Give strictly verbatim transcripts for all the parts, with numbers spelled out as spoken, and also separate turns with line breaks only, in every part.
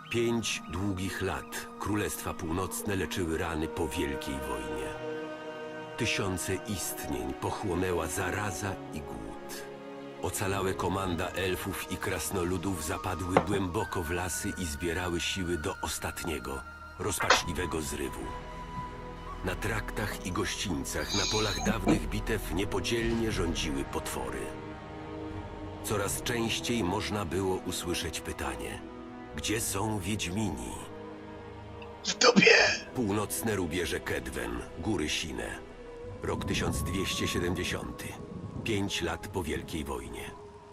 Pięć długich lat Królestwa Północne leczyły rany po Wielkiej Wojnie. Tysiące istnień pochłonęła zaraza i głód. Ocalałe komanda elfów i krasnoludów zapadły głęboko w lasy i zbierały siły do ostatniego, rozpaczliwego zrywu. Na traktach i gościńcach, na polach dawnych bitew niepodzielnie rządziły potwory. Coraz częściej można było usłyszeć pytanie: gdzie są Wiedźmini?
W dupie!
Północne rubieże Kedwen, góry Sine. Rok tysiąc dwieście siedemdziesiąty. Pięć lat po Wielkiej Wojnie.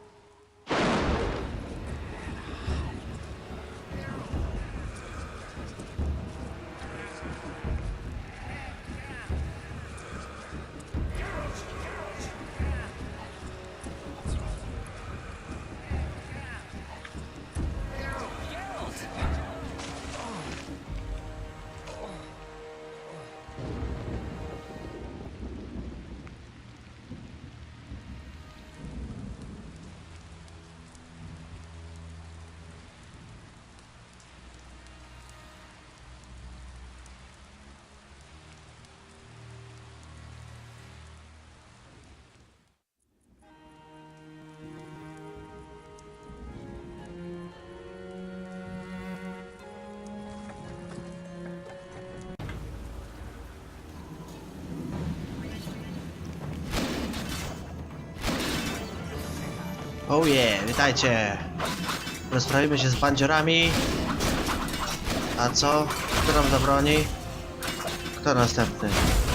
Oh yeah, witajcie! Rozprawimy się z bandziorami. A co? Kto nam zabroni? Kto następny?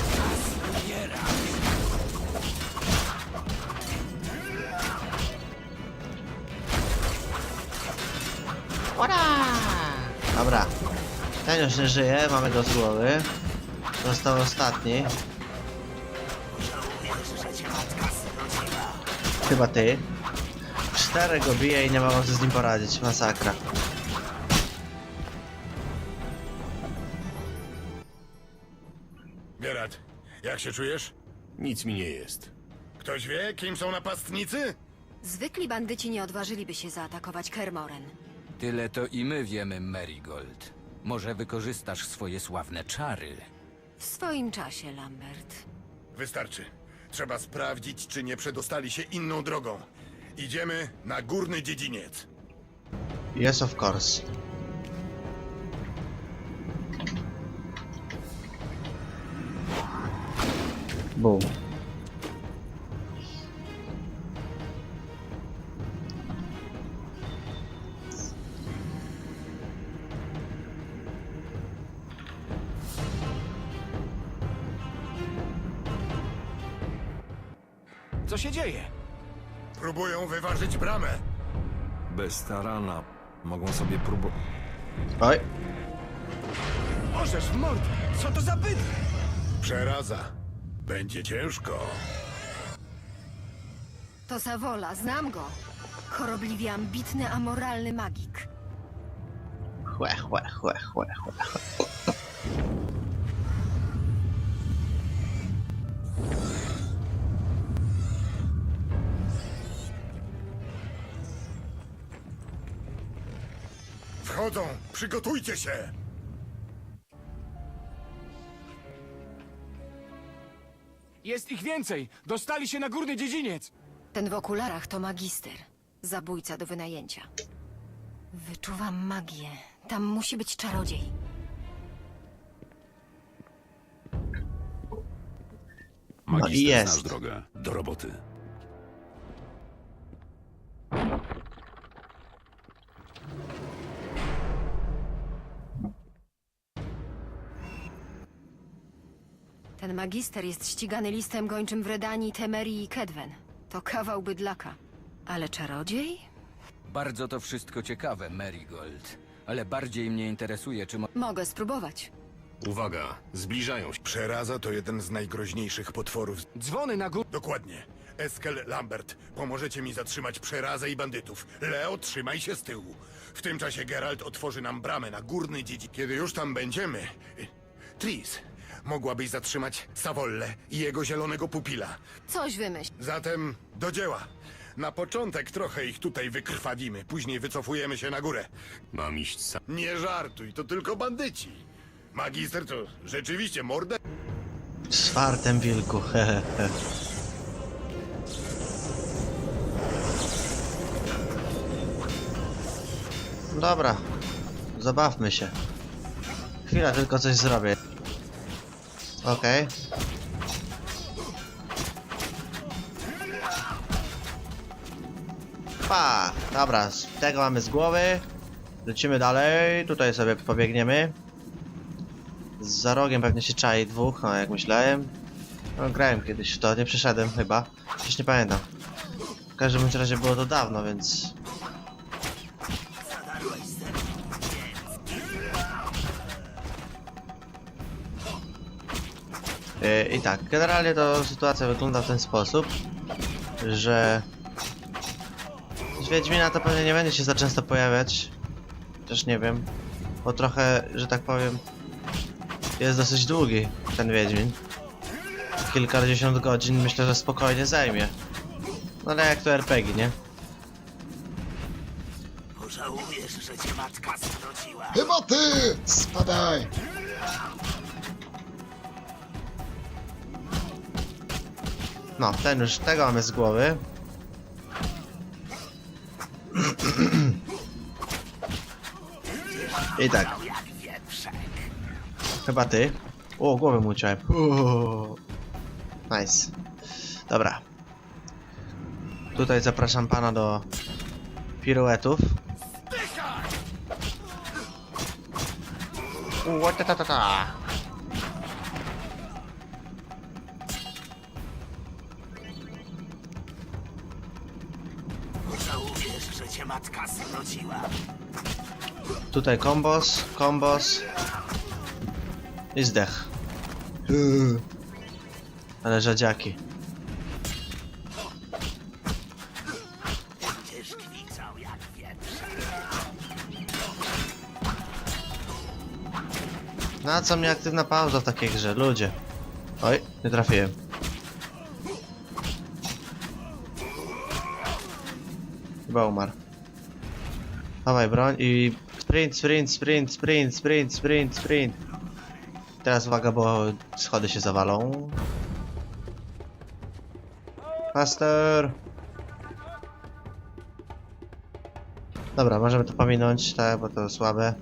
Ora! Dobra. Ten już nie żyje, mamy go z głowy. Został ostatni. Chyba ty. Cztery go bije i nie ma co z nim poradzić. Masakra.
Geralt, jak się czujesz?
Nic mi nie jest.
Ktoś wie, kim są napastnicy?
Zwykli bandyci nie odważyliby się zaatakować Kermoren.
Tyle to i my wiemy, Marigold. Może wykorzystasz swoje sławne czary.
W swoim czasie, Lambert.
Wystarczy. Trzeba sprawdzić, czy nie przedostali się inną drogą. Idziemy na górny dziedziniec.
Yes, of course. Boom.
Co się dzieje?
Próbują wyważyć bramę.
Bez tarana mogą sobie próbować.
Oj.
Możesz w mord! Co to za byt?
Przeraza. Będzie ciężko.
To Zawola, znam go. Chorobliwie ambitny, amoralny magik.
Chłe, chłe, chłe, chłe, chłe.
Wchodzą! Przygotujcie się!
Jest ich więcej! Dostali się na górny dziedziniec!
Ten w okularach to magister. Zabójca do wynajęcia. Wyczuwam magię. Tam musi być czarodziej.
No i
Magister
jest.
znasz drogę. Do roboty.
Ten magister jest ścigany listem gończym w Redanii, Temerii i Kedwen. To kawał bydlaka. Ale czarodziej?
Bardzo to wszystko ciekawe, Marigold. Ale bardziej mnie interesuje, czy mo...
Mogę spróbować.
Uwaga, zbliżają się.
Przeraza to jeden z najgroźniejszych potworów.
Dzwony na górę.
Dokładnie. Eskel, Lambert, pomożecie mi zatrzymać przerazę i bandytów. Leo, trzymaj się z tyłu. W tym czasie Geralt otworzy nam bramę na górny dziedziniec. Kiedy już tam będziemy... Tris, mogłabyś zatrzymać Savolle i jego zielonego pupila.
Coś wymyśl.
Zatem do dzieła. Na początek trochę ich tutaj wykrwawimy, później wycofujemy się na górę.
Mam iść sam.
Nie żartuj, to tylko bandyci. Magister to rzeczywiście mordę.
Z fartem wilku, hehehe. Dobra, zabawmy się. Chwila, tylko coś zrobię. Okej. Pa! Dobra, z tego mamy z głowy. Lecimy dalej, tutaj sobie pobiegniemy. Za rogiem pewnie się czai dwóch, no jak myślałem. No, grałem kiedyś w to, nie przeszedłem chyba. Przecież nie pamiętam. W każdym bądź razie było to dawno, więc... Yy, I tak, generalnie to sytuacja wygląda w ten sposób, że... Z Wiedźmina to pewnie nie będzie się za często pojawiać. Też nie wiem. Bo trochę, że tak powiem... Jest dosyć długi ten Wiedźmin. Kilkadziesiąt godzin myślę, że spokojnie zajmie. No ale jak to er pe gie, nie?
Pożałujesz, że cię matka zwróciła.
Chyba ty! Spadaj!
No, ten już, tego mamy z głowy. I tak.
Jak wieprzek.
Chyba ty. O, głowę mu uciąłem. Uuu. Nice. Dobra. Tutaj zapraszam pana do piruetów. Uuu, ta ta ta ta.
Pożałujesz, że cię matka zwróciła.
Tutaj kombos, kombos. I zdech. Uuu. Ale rzadziaki.
Będziesz kwiczał jak wieprzek.
Na co mnie aktywna pauza w takiej grze, ludzie? Oj, nie trafiłem. Chyba umarł. Dawaj broń i sprint, sprint, sprint, sprint, sprint, sprint, sprint. Teraz uwaga, bo schody się zawalą. Faster! Dobra, możemy to pominąć, tak, bo to słabe.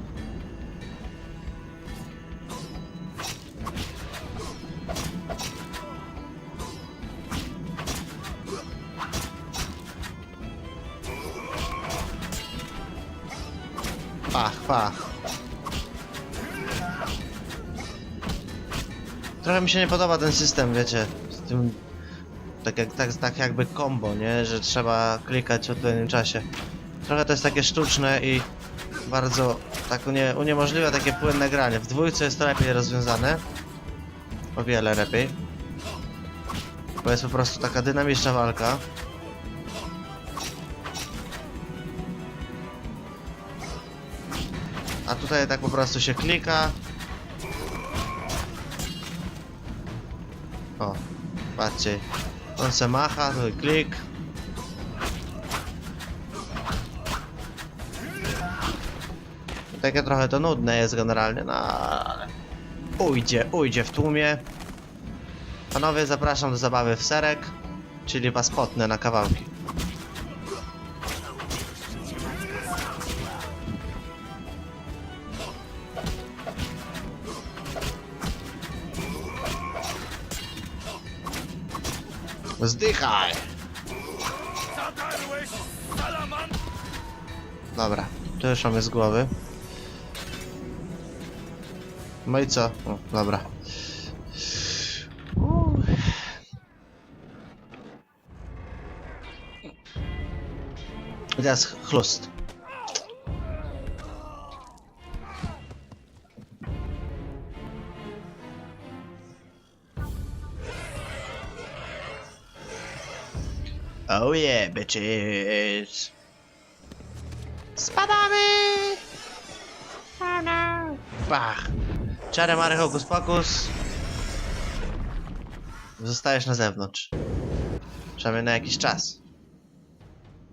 Pach, pach. Trochę mi się nie podoba ten system, wiecie, z tym... Tak, jak, tak, tak jakby combo, nie? Że trzeba klikać w odpowiednim czasie. Trochę to jest takie sztuczne i bardzo tak unie, uniemożliwia takie płynne granie. W dwójce jest to lepiej rozwiązane. O wiele lepiej. Bo jest po prostu taka dynamiczna walka. A tutaj tak po prostu się klika. O, patrzcie. On se macha, tu klik. Takie trochę to nudne jest generalnie, no ale... Ujdzie, ujdzie w tłumie. Panowie, zapraszam do zabawy w serek, czyli was potnę na kawałki. Zdychaj!
Zatarłeś salaman!
Dobra, to już mamy z głowy. No i co? O, dobra. Uuu. I teraz chlust. Oh yeah, bitches. Spadamy! Oh no. Bach. Czary mary hokus pokus. Zostajesz na zewnątrz. Przynajmniej na jakiś czas.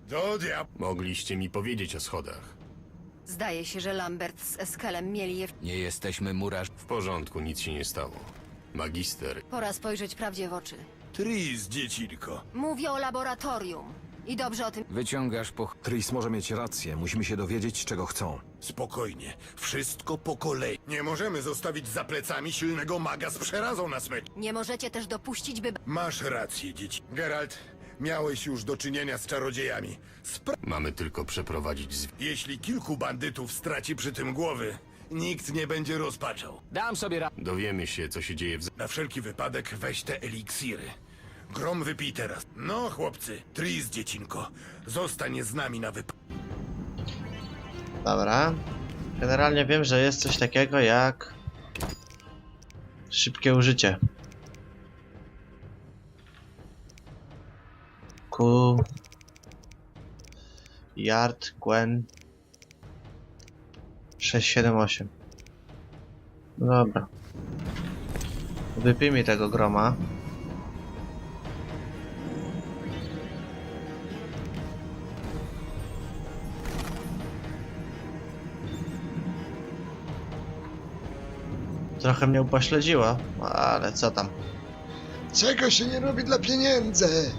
Do diabła.
Mogliście mi powiedzieć o schodach.
Zdaje się, że Lambert z Eskelem mieli je... w-
Nie jesteśmy murarz.
W porządku, nic się nie stało. Magister,
Pora spojrzeć prawdzie w oczy.
Tris, dziecinko.
Mówię o laboratorium. I dobrze o tym...
Wyciągasz po...
Tris może mieć rację. Musimy się dowiedzieć, czego chcą.
Spokojnie, wszystko po kolei. Nie możemy zostawić za plecami silnego maga z przerazą na smyczy.
Nie możecie też dopuścić, by...
Masz rację, dzieci. Geralt, miałeś już do czynienia z czarodziejami. Spra-
mamy tylko przeprowadzić z...
Jeśli kilku bandytów straci przy tym głowy, nikt nie będzie rozpaczał.
Dam sobie ra...
Dowiemy się, co się dzieje w... z-
Na wszelki wypadek weź te eliksiry. Grom wypij teraz. No, chłopcy, Tris, dziecinko, zostań z nami na wypadek.
Dobra. Generalnie wiem, że jest coś takiego jak... szybkie użycie. Ku... Yard, Gwen... sześć siedem osiem. No dobra. Wypijmy tego groma. Trochę mnie upośledziło, ale co tam.
Czego się nie robi dla pieniędzy?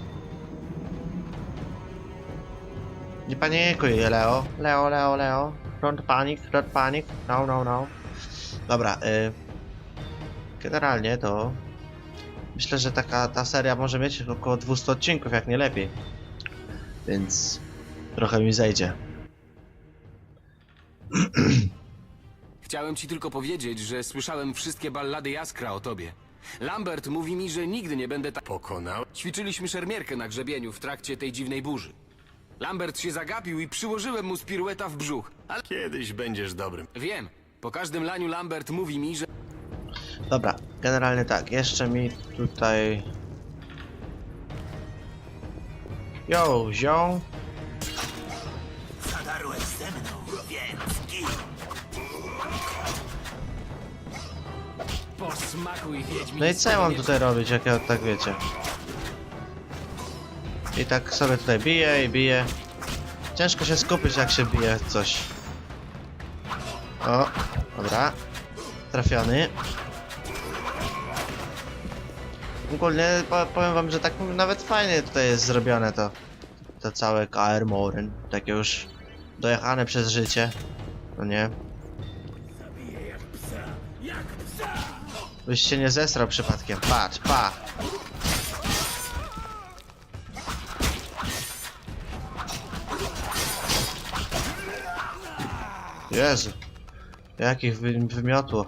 Nie panikuj, Leo. Leo, Leo, Leo. Don't panic, don't panic. No, no, no. Dobra, y... generalnie to... myślę, że taka ta seria może mieć około dwieście odcinków, jak nie lepiej. Więc... trochę mi zejdzie.
Chciałem ci tylko powiedzieć, że słyszałem wszystkie ballady Jaskra o tobie. Lambert mówi mi, że nigdy nie będę tak...
Pokonał?
Ćwiczyliśmy szermierkę na grzebieniu w trakcie tej dziwnej burzy. Lambert się zagapił i przyłożyłem mu z pirueta w brzuch. Ale
Kiedyś będziesz dobrym.
wiem, po każdym laniu Lambert mówi mi, że...
Dobra, generalnie tak, jeszcze mi tutaj... Yo, zią.
Zadarłeś ze mną, więc gin.
Posmakuj, Wiedźmin.
No i co ja mam tutaj robić, jak ja tak wiecie? I tak sobie tutaj biję i biję. Ciężko się skupić, jak się bije coś. O, dobra. Trafiony. Ogólnie po- powiem wam, że tak nawet fajnie tutaj jest zrobione to. To całe Kaer Morhen. Takie już dojechane przez życie. No nie? Byś się nie zesrał przypadkiem. Patrz, pa! Jezu. Jakich wy wymiotło.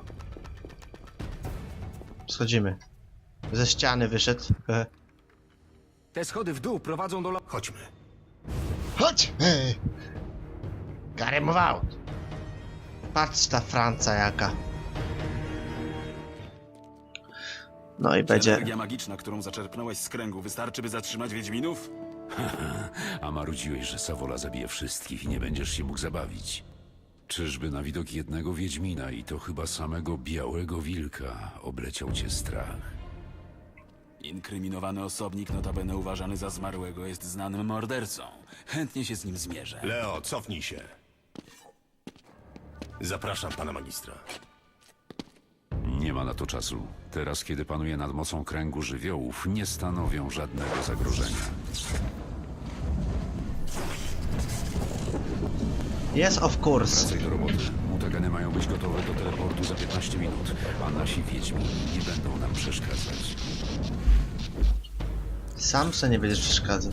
Schodzimy. Ze ściany wyszedł.
Te schody w dół prowadzą do... la-
Chodźmy.
Chodź! Hej!
Gotta move out. Patrz ta Franca jaka. No i będzie...
Energia magiczna, którą zaczerpnąłeś z kręgu, wystarczy, by zatrzymać Wiedźminów?
A marudziłeś, że Sawola zabije wszystkich i nie będziesz się mógł zabawić. Czyżby na widok jednego Wiedźmina i to chyba samego Białego Wilka obleciał cię strach?
Inkryminowany osobnik, notabene uważany za zmarłego, jest znanym mordercą. Chętnie się z nim zmierzę.
Leo, cofnij się. Zapraszam pana magistra.
Nie ma na to czasu. Teraz, kiedy panuje nad mocą kręgu żywiołów, nie stanowią żadnego zagrożenia.
Yes, of course.
Wracaj do roboty. Mutageny mają być gotowe do teleportu za piętnaście minut, a nasi Wiedźmini nie będą nam przeszkadzać.
Sam se nie będziesz przeszkadzał.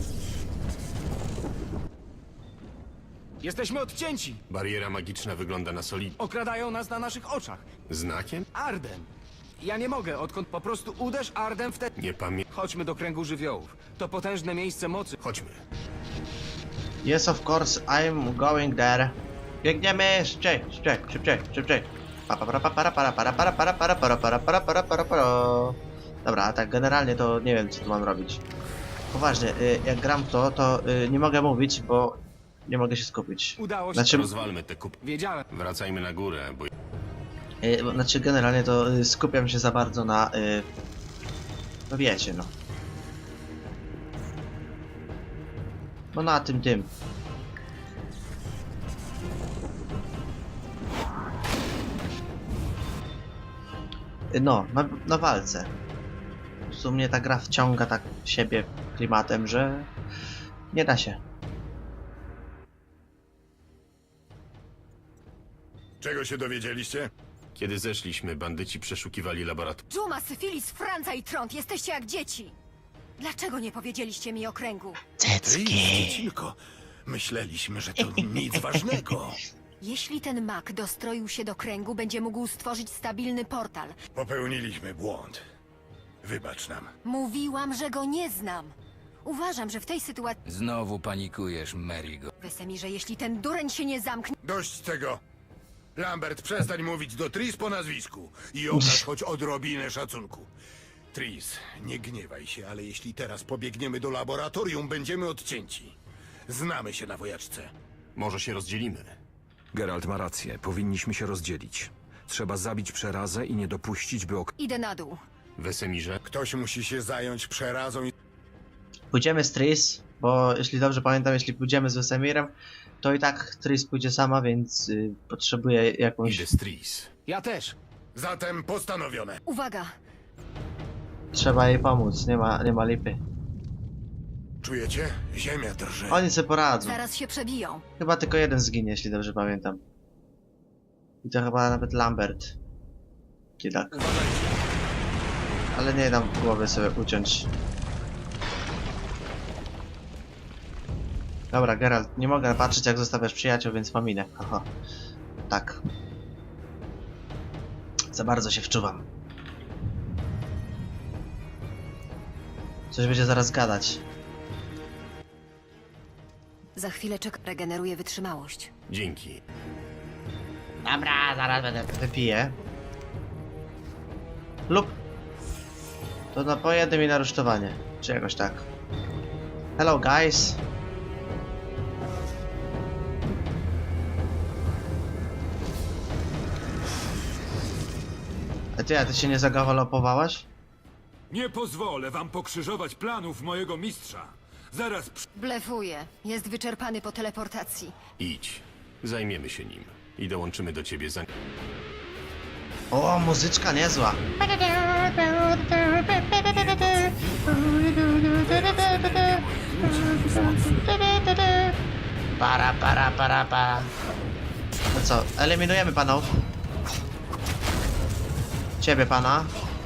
Jesteśmy odcięci!
Bariera magiczna wygląda na solidnie.
Okradają nas na naszych oczach.
Znakiem?
Ardem! Ja nie mogę, odkąd po prostu uderz Ardem wtedy...
Nie pamiętam.
Chodźmy do kręgu żywiołów. To potężne miejsce mocy.
Chodźmy.
Yes, of course, I'm going there. Biegniemy! Szybciej, szybciej, szybciej, szybciej. Pa, pa, para, pa, para, para, para, para, para, para, para, para, para, para, para, para. Dobra, a tak generalnie to nie wiem, co tu mam robić. Poważnie, y, jak gram w to, to y, nie mogę mówić, bo nie mogę się skupić.
Udało się.
Znaczy,
Rozwalmy te kup...
Wiedziałem.
Wracajmy na górę, bo...
y, bo- znaczy generalnie to y, skupiam się za bardzo na... Y, no wiecie, no. No na tym, tym. No, na, na walce. Po prostu mnie ta gra wciąga tak w siebie klimatem, że nie da się.
Czego się dowiedzieliście?
Kiedy zeszliśmy, bandyci przeszukiwali laboratorium.
Dżuma, Syfilis, Franca i Trąd, jesteście jak dzieci. Dlaczego nie powiedzieliście mi o kręgu?
Tris, dziecinko, myśleliśmy, że to nic ważnego.
Jeśli ten mak dostroił się do kręgu, będzie mógł stworzyć stabilny portal.
Popełniliśmy błąd. Wybacz nam.
Mówiłam, że go nie znam. Uważam, że w tej sytuacji...
Znowu panikujesz, Marigold.
Wesemirze, jeśli ten dureń się nie zamknie...
Dość tego. Lambert, przestań mówić do Tris po nazwisku i okaż choć odrobinę szacunku. Tris, nie gniewaj się, ale jeśli teraz pobiegniemy do laboratorium, będziemy odcięci. Znamy się na wojaczce.
Może się rozdzielimy.
Geralt ma rację, powinniśmy się rozdzielić. Trzeba zabić przerazę i nie dopuścić, by ok...
Idę na dół.
Wesemirze,
Ktoś musi się zająć przerazą i...
Pójdziemy z Tris, bo jeśli dobrze pamiętam, jeśli pójdziemy z Wesemirem, to i tak Tris pójdzie sama, więc y, potrzebuje jakąś...
idę z Tris.
Ja też.
Zatem postanowione.
Uwaga!
Trzeba jej pomóc, nie ma, nie ma lipy.
Czujecie? Ziemia drży.
Oni sobie poradzą.
Zaraz się przebiją.
Chyba tylko jeden zginie, jeśli dobrze pamiętam. I to chyba nawet Lambert. Kiedak. Ale nie dam głowy sobie uciąć. Dobra, Geralt, nie mogę patrzeć jak zostawiasz przyjaciół, więc pominę. Oho. Tak. Za bardzo się wczuwam. Coś będzie zaraz gadać.
Za chwilę czek regeneruje wytrzymałość.
Dzięki.
Dobra, zaraz będę wypiję. Lub to napoje mi na rusztowanie, czy jakoś tak. Hello guys. A ty, a ty się nie zagawalopowałaś?
Nie pozwolę wam pokrzyżować planów mojego mistrza. Zaraz przy...
Blefuje. Jest wyczerpany po teleportacji.
Idź. Zajmiemy się nim. I dołączymy do ciebie za...
O, muzyczka niezła. Para, para, para, para. No co, eliminujemy panów. Ciebie, pana.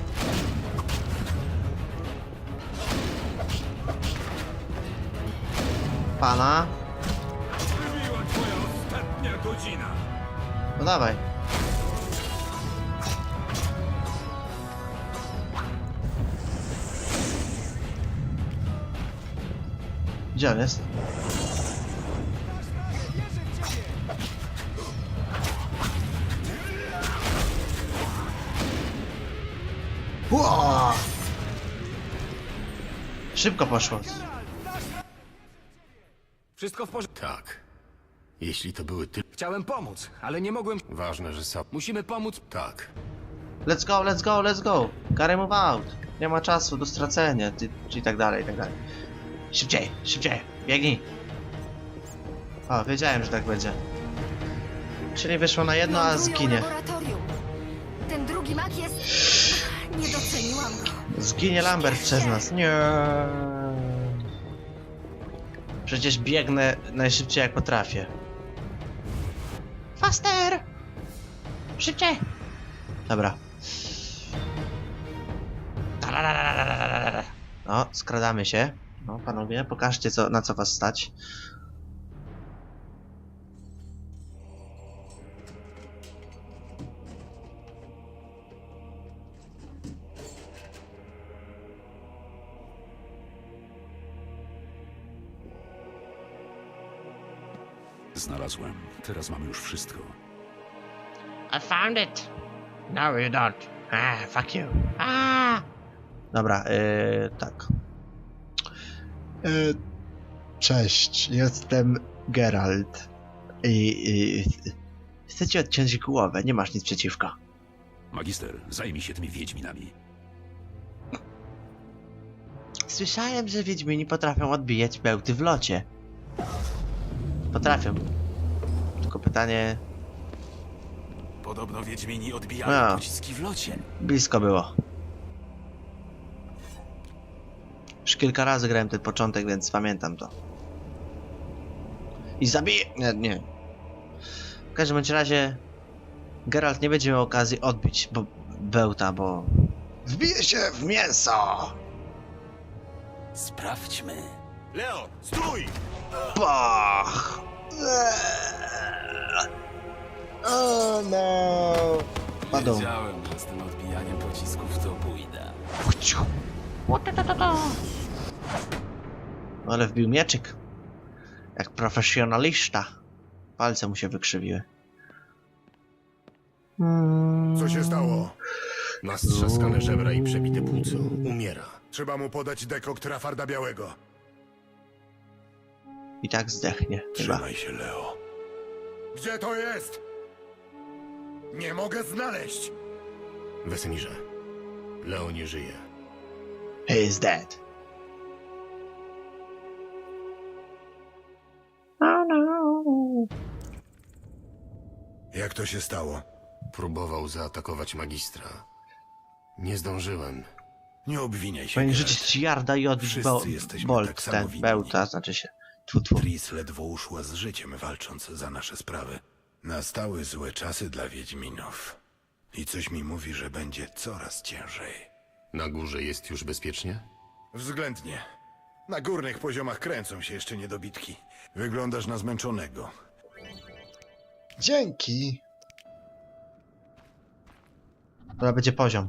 Pana.
Wybiła twoja ostatnia godzina.
No dawaj. Gdzie on jest? Ło! Szybko poszło.
Wszystko w porządku.
Tak. Jeśli to były ty...
Chciałem pomóc, ale nie mogłem...
Ważne, że sam...
Musimy pomóc...
Tak.
Let's go, let's go, let's go. Gotta move out. Nie ma czasu do stracenia, ty, i tak dalej, i tak dalej. Szybciej, szybciej, biegnij. O, wiedziałem, że tak będzie. Czyli wyszło na jedno, a
Lądują
zginie.
laboratorium. Ten drugi mak jest... Nie doceniłam go.
Zginie Lambert przez nas. Nie. Przecież biegnę najszybciej jak potrafię. Faster! Szybciej! Dobra. No, skradamy się. No, panowie, pokażcie co, na co was stać.
Znalazłem. Teraz mamy już wszystko.
I found it. No, you don't. Ah, fuck you. Ah. Dobra, yy, tak. Yy, cześć, jestem Geralt. I, i chcę ci odciąć głowę, nie masz nic przeciwko.
Magister, zajmij się tymi wiedźminami.
Słyszałem, że wiedźmini potrafią odbijać bełty w locie. Potrafią. Tylko pytanie...
Podobno Wiedźmini odbijają
No.
pociski w locie.
Blisko było. Już kilka razy grałem ten początek, więc pamiętam to. I zabiję... Nie, nie. W każdym bądź razie... Geralt nie będzie miał okazji odbić bo... bełta, bo... Wbije się w mięso!
Sprawdźmy.
Leo, stój!
Pach! O no! Padł.
Wiedziałem, że z tym odbijaniem pocisków to pójdę.
Ale wbił mieczyk. Jak profesjonalista. Palce mu się wykrzywiły.
Co się stało?
Ma strzaskane żebra i przebite płuco. Umiera.
Trzeba mu podać dekokt Rafarda Białego.
I tak zdechnie. Chyba.
Trzymaj się, Leo. Gdzie to jest? Nie mogę znaleźć.
Wesemirze, Leo nie żyje.
He is dead. Oh no.
Jak to się stało?
Próbował zaatakować magistra. Nie zdążyłem.
Nie obwiniaj się,
Powinien
Geralt.
rzucić yarda i odbić
Wszyscy
bo
jesteśmy
bolt,
tak samo
ten
winni.
bełta, znaczy się. Tfu, tfu.
Tris ledwo uszła z życiem, walcząc za nasze sprawy. Nastały złe czasy dla Wiedźminów. I coś mi mówi, że będzie coraz ciężej.
Na górze jest już bezpiecznie?
Względnie. Na górnych poziomach kręcą się jeszcze niedobitki. Wyglądasz na zmęczonego.
Dzięki.
To będzie poziom.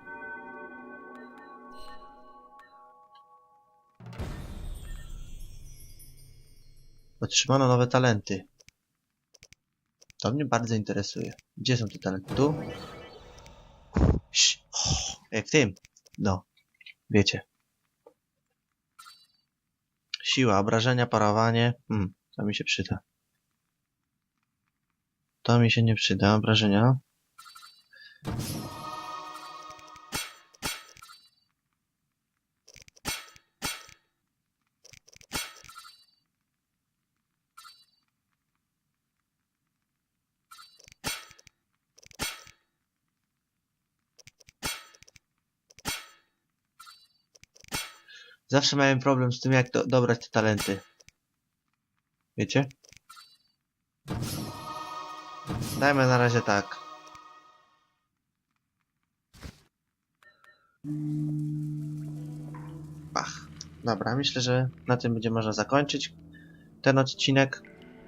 Otrzymano nowe talenty. To mnie bardzo interesuje. Gdzie są te talenty? Tu? Ś- oh, jak w tym. No. Wiecie. Siła, obrażenia, parowanie. Hmm, to mi się przyda. To mi się nie przyda. Obrażenia. Zawsze miałem problem z tym, jak do dobrać te talenty. Wiecie? Dajmy na razie tak. Ach, dobra, myślę, że na tym będzie można zakończyć ten odcinek.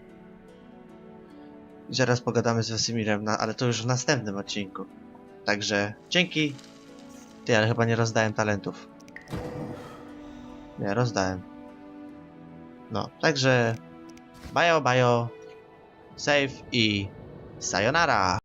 I zaraz pogadamy z Wesemirem, na, ale to już w następnym odcinku. Także dzięki. Ty, ale chyba nie rozdałem talentów. Nie, rozdałem. No, także bajo, bajo, save i sayonara!